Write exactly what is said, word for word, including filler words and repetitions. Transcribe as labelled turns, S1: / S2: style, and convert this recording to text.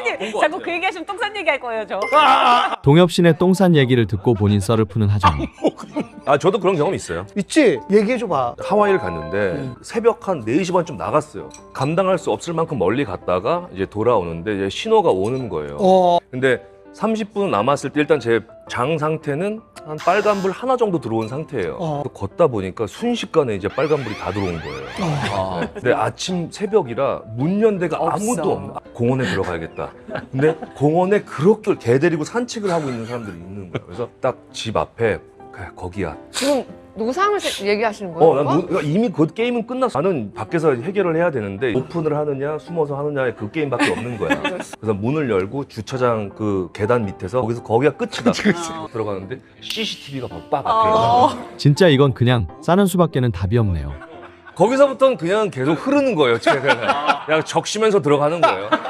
S1: 선생님 자꾸 그 얘기하시면 똥산 얘기할 거예요 저.
S2: 동엽신의 똥산 얘기를 듣고 본인 썰을 푸는 하정우.
S3: 아 저도 그런 경험이 있어요.
S4: 있지? 얘기해줘봐.
S3: 하와이를 갔는데 새벽 한 네 시 반쯤 나갔어요. 감당할 수 없을 만큼 멀리 갔다가 이제 돌아오는데 이제 신호가 오는 거예요.
S4: 어.
S3: 근데 삼십 분 남았을 때 일단 제 장 상태는 한 빨간불 하나 정도 들어온 상태예요.
S4: 어.
S3: 걷다 보니까 순식간에 이제 빨간불이 다 들어온 거예요.
S4: 어.
S3: 네. 근데 아침 새벽이라 문 연 데가
S1: 없어.
S3: 아무도 없나? 공원에 들어가야겠다. 근데 공원에 그렇게 개 데리고 산책을 하고 있는 사람들이 있는 거예요. 그래서 딱 집 앞에 그래, 거기야.
S5: 지금 노상을 세- 얘기하시는 거예요?
S3: 어, 난
S5: 오빠?
S3: 노- 그러니까 이미 그 게임은 끝났어. 나는 밖에서 해결을 해야 되는데 오픈을 하느냐 숨어서 하느냐의 그 게임밖에 없는 거야. 그래서 문을 열고 주차장 그 계단 밑에서 거기서 거기가 끝이다. 들어가는데 씨씨티비가 빡 앞에
S1: 어.
S3: 있는 거야.
S2: 진짜 이건 그냥 싸는 수밖에는 답이 없네요.
S3: 거기서부터는 그냥 계속 흐르는 거예요. 제가 그냥 적시면서 들어가는 거예요.